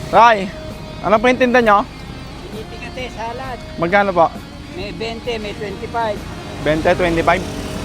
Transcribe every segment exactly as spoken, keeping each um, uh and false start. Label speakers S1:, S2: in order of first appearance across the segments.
S1: Tay, ano po yung tinda nyo?
S2: Tinitingate, salad.
S1: Magkano po?
S2: May twenty, may twenty-five.
S1: twenty, twenty-five?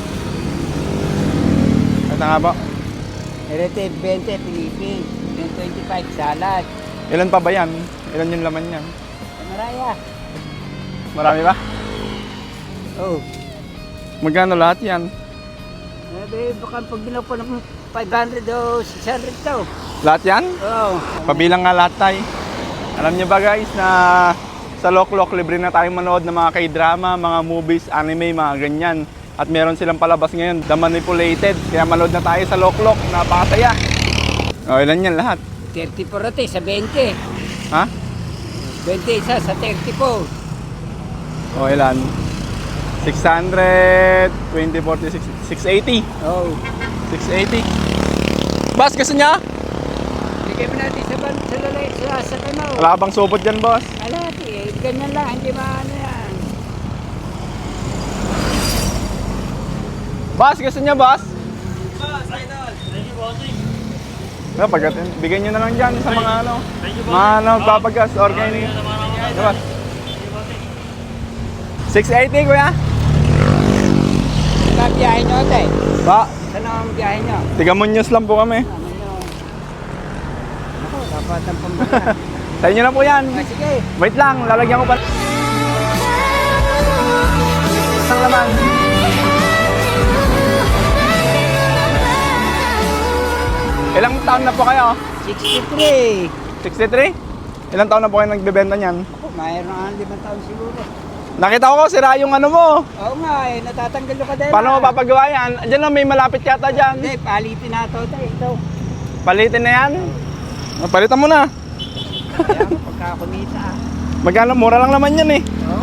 S1: Ito nga po.
S2: Erete, twenty, Pilipin. May twenty-five, salad.
S1: Ilan pa ba yan? Ilan yung laman yan?
S2: Maraya.
S1: Marami ba?
S2: Oh.
S1: Magkano lahat yan?
S2: Sabi, baka pag ginawa po ng five hundred o six hundred daw.
S1: Lahat yan?
S2: Oo.
S1: Pabilang nga lahat tayo. Alam niyo ba guys na sa Loklok libre na tayong manood ng mga K-drama, mga movies, anime, mga ganyan. At meron silang palabas ngayon, The Manipulated. Kaya manood na tayo sa Loklok, napakasaya. O, ilan yan lahat?
S2: thirty po rate sa twenty.
S1: Ha?
S2: twenty isa sa thirty po.
S1: O, ilan? six hundred, twenty, forty, six eighty.
S2: Oh.
S1: six eighty. Boss, gusto niya?
S2: Bigay mo natin sa ban sa lalay sa sa kanaw.
S1: Wala ka bang supot dyan, boss?
S2: Alati, eh, ganyan lang, hindi maano yan.
S1: Boss, gusto niya, boss?
S2: Boss, idol. Thank you, bossing.
S1: No, pag bigyan niyo na lang dyan sa mga ano, mga ano, papagas, organic. Boss. six eighty, kuya?
S2: Saan ang biyahe nyo, tay?
S1: Ba,
S2: Saan ang biyahe nyo?
S1: Tigamunyos lang po kami.
S2: Ano nyo? Ako, dapat ang pambahan.
S1: Sa inyo na po yan.
S2: Ah, sige.
S1: Wait lang, lalagyan ko pa. Isang laman. Ilang taon na po kayo?
S2: sixty-three.
S1: sixty-three? Ilang taon na po kayo nagbebenta niyan?
S2: Ako, mayroon ang limang taon siguro.
S1: Nakita ko, sira yung ano mo.
S2: Oo nga, eh, natatanggal yung kadena.
S1: Paano mo papagawa yan? Diyan lang, may malapit yata dyan.
S2: Hindi, palitin na ito, tay. Ito.
S1: Palitin na yan. Oh, palitan mo na.
S2: Kaya, pagka kumita. ah.
S1: Magkano? Mura lang naman yan eh.
S2: Oo,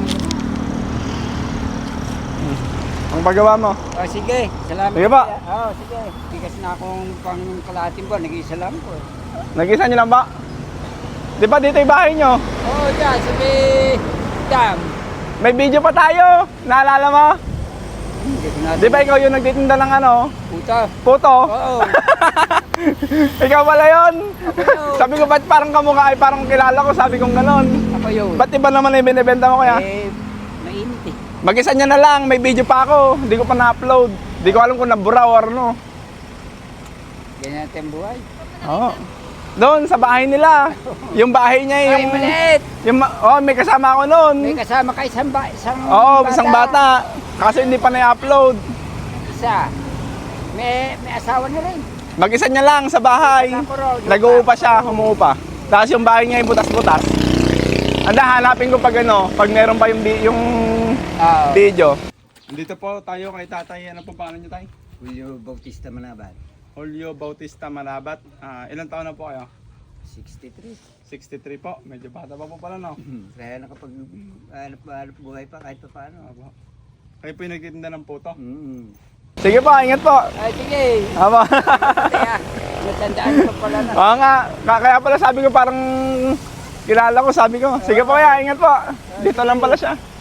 S1: Ang paggawa mo.
S2: oh, sige. Salamat.
S1: Sige pa.
S2: Oo, oh, sige. Bigas na akong pang kalahating buwan. Nag-isa lang po. eh.
S1: Nag-isa nyo lang ba? Di ba dito yung bahay nyo?
S2: Oo, oh, dyan. Sabi, dam.
S1: May video pa tayo. Naalala mo?
S2: Hindi ko natin.
S1: Di ba ikaw yung nagtitinda ng ano?
S2: Puta.
S1: Puto?
S2: Oo.
S1: Ikaw pala yun.
S2: yun.
S1: Sabi ko, ba't parang kamukha ay parang kilala ko? Sabi kong ganon.
S2: Ako yun.
S1: Ba't iba naman yung binibenta mo kaya?
S2: Eh, mainit eh.
S1: Mag-isa niya na lang. May video pa ako. Hindi ko pa na-upload. Hindi ko alam kung nabura or ano.
S2: Ganyan natin buhay.
S1: Oo. Doon sa bahay nila. Yung bahay niya
S2: Ay,
S1: yung...
S2: maliit.
S1: yung ma- oh, may kasama ako noon.
S2: May kasama ka isang, ba isang
S1: Oo, oh, isang bata. Kasi hindi pa na-upload.
S2: Isa. May, may asawa na rin.
S1: Mag-isa niya lang sa bahay. Nag-uupa siya, umuupa. Tapos yung bahay niya yung butas-butas. Anda, hanapin ko pag ano, pag meron pa yung, bi- yung
S2: Oo.
S1: video. Dito po tayo kay tatay. Ano po pangalan niyo, tay?
S2: Julio Bautista Manabat.
S1: Julio Bautista Manabat. Ah, ilang taon na po kayo?
S2: sixty-three.
S1: sixty-three po. Medyo bata pa po pala, no?
S2: Kaya nakapag hanap, hanap buhay pa kahit pa paano.
S1: Opo. Kayo po yung nagtitinda ng puto?
S2: Mm.
S1: Sige po, ingat po.
S2: Ay, sige.
S1: Aba.
S2: Kaya, natandaan ko pala na.
S1: Oo nga, Ka- kaya pala sabi ko parang kilala ko, sabi ko. Sige po kaya, ingat po. Dito lang pala siya.